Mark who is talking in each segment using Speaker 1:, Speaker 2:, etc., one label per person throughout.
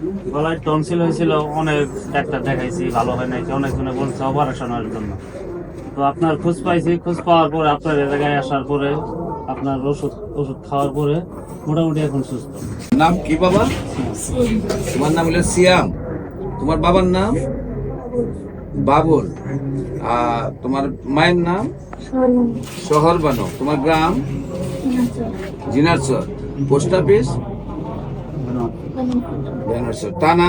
Speaker 1: গলায় টনসিল হয়েছিল, অনেক ডাক্তার দেখাইছি, ভালো হয় নাই, অনেকজনে বলছে অপারেশনের জন্য। তো আপনার খোঁজ পাইছি, খোঁজ পাওয়ার পরে আপনার এ জায়গায় আসার পরে আপনার ওষুধ ওষুধ খাওয়ার পরে মোটামুটি এখন সুস্থ।
Speaker 2: নাম কি বাবা? তোমার নাম হলো সিয়াম। তোমার বাবার নাম বাবুল। তোমার মায়ের নাম শহর বানো। তোমার গ্রাম জিনারচর। Post office জিনারচর। থানা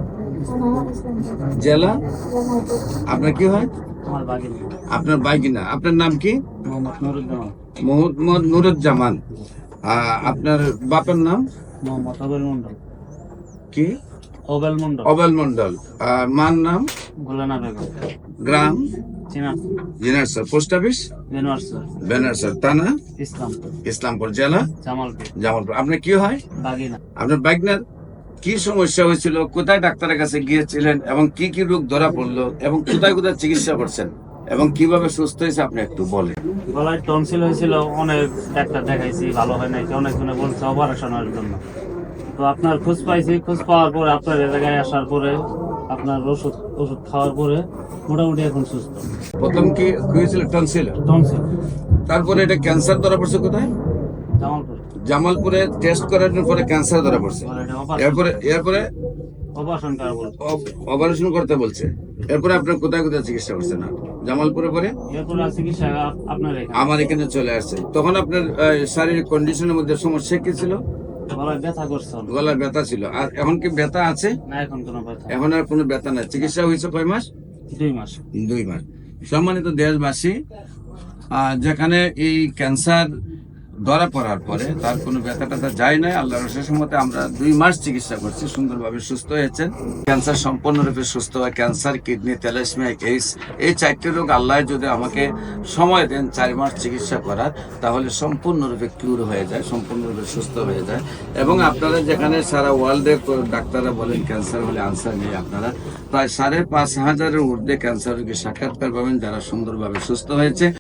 Speaker 2: জেলা। আপনার কি হয়?
Speaker 1: আমার বাগিনা
Speaker 2: আপনার বাইকিনা। আপনার নাম কি?
Speaker 1: মোহাম্মদ নুরুজ্জামান।
Speaker 2: মোহাম্মদ নুরুজ্জামান। আপনার বাপের নাম
Speaker 1: মোহাম্মদ অবেল মন্ডল।
Speaker 2: কি?
Speaker 1: অবেল মন্ডল।
Speaker 2: অবেল মন্ডল। মার নাম
Speaker 1: গোলানা বেগম।
Speaker 2: গ্রাম
Speaker 1: চিনা
Speaker 2: জিনারচর। পোস্ট অফিস
Speaker 1: বেনোয়ার স্যার।
Speaker 2: বেনারসর। থানা
Speaker 1: ইসলামপুর।
Speaker 2: ইসলামপুর। জেলা
Speaker 1: জামালপুর।
Speaker 2: জামালপুর। আপনার কি হয়?
Speaker 1: বাগিনা।
Speaker 2: আপনার বাইকনার কি সমস্যা হয়েছিল, কোথায় ডাক্তারের কাছে গিয়েছিলেন এবং কি কি রোগ ধরা পড়লো এবং কোথায় কোথায় চিকিৎসা করছেন এবং কিভাবে সুস্থ হয়েছে আপনি একটু বলেন।
Speaker 1: গলায় টনসিল হয়েছিল, অনেক ডাক্তার দেখাইছি, ভালো হয় নাই, অনেকজনে বলছে অপারেশনের জন্য। তো আপনার খোঁজ পাইছি, খোঁজ পাওয়ার পরে আপনার এ জায়গায় আসার পরে আপনার ওষুধ ওষুধ খাওয়ার পরে মোটামুটি এখন সুস্থ।
Speaker 2: প্রথম কি হয়েছিল? টনসিল।
Speaker 1: টনসিল।
Speaker 2: তারপরে এটা ক্যান্সার ধরা পড়ছে কোথায়?
Speaker 1: জামালপুর।
Speaker 2: জামালপুরে টেস্ট করানোর পরে ক্যান্সার ধরা পড়ছে। এরপরে এরপরে
Speaker 1: অপারেশন করা বলছে।
Speaker 2: অপারেশন করতে বলছে। এরপরে আপনার কোথায় কোথায় চিকিৎসা করছেন? জামালপুরে পরে
Speaker 1: এরপরে চিকিৎসা আপনার এখানে।
Speaker 2: আমার এখানে চলে আসছে। তখন আপনার শারীরিক কন্ডিশনের মধ্যে সমস্যা কি ছিল?
Speaker 1: গলায় ব্যথা করছে অনেক।
Speaker 2: গলায় ব্যথা ছিল। আর এখন কি ব্যথা আছে?
Speaker 1: না, এখন কোনো ব্যথা নেই।
Speaker 2: এখন আর কোনো ব্যথা নাই। চিকিৎসা হয়েছে কয় মাস?
Speaker 1: 2 মাস।
Speaker 2: 2 মাস। সম্মানিত দেশবাসী, যেখানে এই ক্যান্সার ধরা পড়ার পরে তার কোনো ব্যথা ট্যাথা যায় না, আল্লাহর অশেষ মতে আমরা 2 মাস চিকিৎসা করছি, সুন্দরভাবে সুস্থ হয়েছেন। ক্যান্সার সম্পূর্ণরূপে সুস্থ হয়। ক্যান্সার, কিডনি, থ্যালাসেমিয়া, এইডস, এই 4টি রোগ আল্লাহ যদি আমাকে সময় দেন 4 মাস চিকিৎসা করার, তাহলে সম্পূর্ণরূপে কিউর হয়ে যায়, সম্পূর্ণরূপে সুস্থ হয়ে যায়। এবং আপনারা যেখানে সারা ওয়ার্ল্ডে ডাক্তাররা বলেন ক্যান্সার হলে আনসার নেই, আপনারা প্রায় 5,500-এর ঊর্ধ্বে ক্যান্সার রোগী সাক্ষাৎকার পাবেন যারা সুন্দরভাবে সুস্থ হয়েছে।